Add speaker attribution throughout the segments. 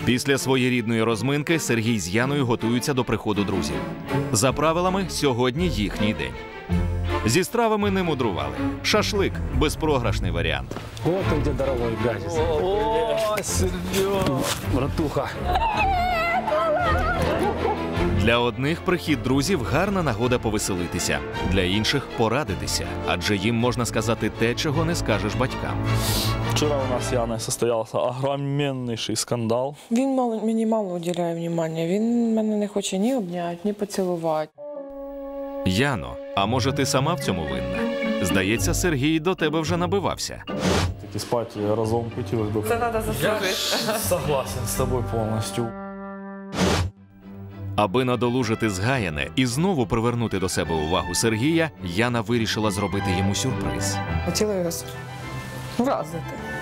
Speaker 1: Після своєрідної розминки Сергій з Яною готуються до приходу друзів. За правилами, сьогодні їхній день. Зі стравами не мудрували. Шашлик – безпрограшний варіант.
Speaker 2: Вот он где дорогой гаджет.
Speaker 3: О, Серега!
Speaker 2: Братуха.
Speaker 1: Для одних прихід друзів – гарна нагода повеселитися, для інших – порадитися, адже їм можна сказати те, чого не скажеш батькам.
Speaker 3: Вчора у нас з Яною состоявся огроменніший скандал.
Speaker 4: Він мені мало уділяє увагу. Він мене не хоче ні обняти, ні поцілувати.
Speaker 1: Яно, а може ти сама в цьому винна? Здається, Сергій до тебе вже набивався.
Speaker 3: Таки спати разом хотілося б.
Speaker 4: Це треба заслужити.
Speaker 3: Я согласен з тобою повністю.
Speaker 4: Аби
Speaker 1: надолужити згаяне і знову привернути до себе увагу Сергія, Яна вирішила зробити йому сюрприз.
Speaker 4: хотіла його вразити.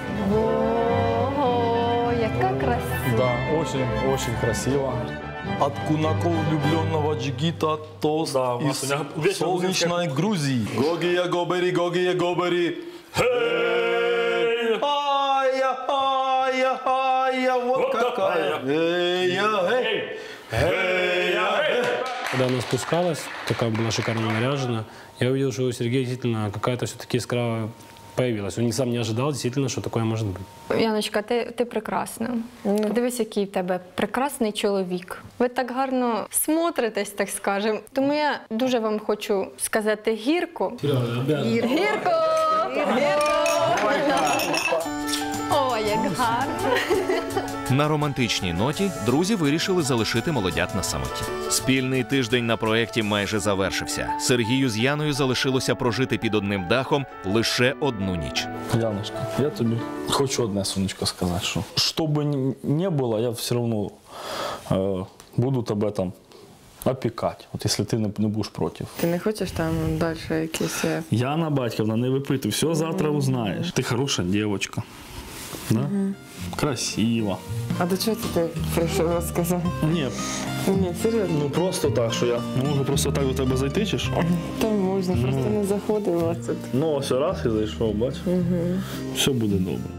Speaker 5: Ого, яка красива.
Speaker 3: Да, очень красиво. От кунаков влюбленного джигита тост из солнечной Грузии. Гогия гобери, гогия гобери. Хей! Ая, ая, ая, вот какая. Эй, эй.
Speaker 2: Когда она спускалась, такая была шикарно наряжена, я увидел, что у Сергея действительно какая-то все-таки искра появилась. Он сам не ожидал, действительно, что такое может быть.
Speaker 5: Яночка, ти прекрасна. Подивись, який в тебе прекрасний чоловік. Ви так гарно смотритесь, так скажемо. Тому я дуже вам хочу сказати гірко. Гірко! О, як гарно!
Speaker 1: На романтичній ноті друзі вирішили залишити молодят на самоті. Спільний тиждень на проєкті майже завершився. Сергію з Яною залишилося прожити під одним дахом лише одну ніч.
Speaker 3: Яночка, я тобі хочу одне, сонечко, сказати, що би не було, я все одно буду тебе там опікати, от якщо ти не будеш проти.
Speaker 4: Ти не хочеш там далі якісь...
Speaker 3: Яна Батьківна, не випитуй, все завтра узнаєш. Ти хороша дівчинка, да? Красива.
Speaker 4: А до чого ти прийшов розказати?
Speaker 3: Ні,
Speaker 4: Ні, серйозно.
Speaker 3: ну просто так, що я не можу просто так до тебе зайти, чи що?
Speaker 4: Та можна, просто не заходила.
Speaker 3: Ну, ось раз і зайшов, бач. Все буде добре.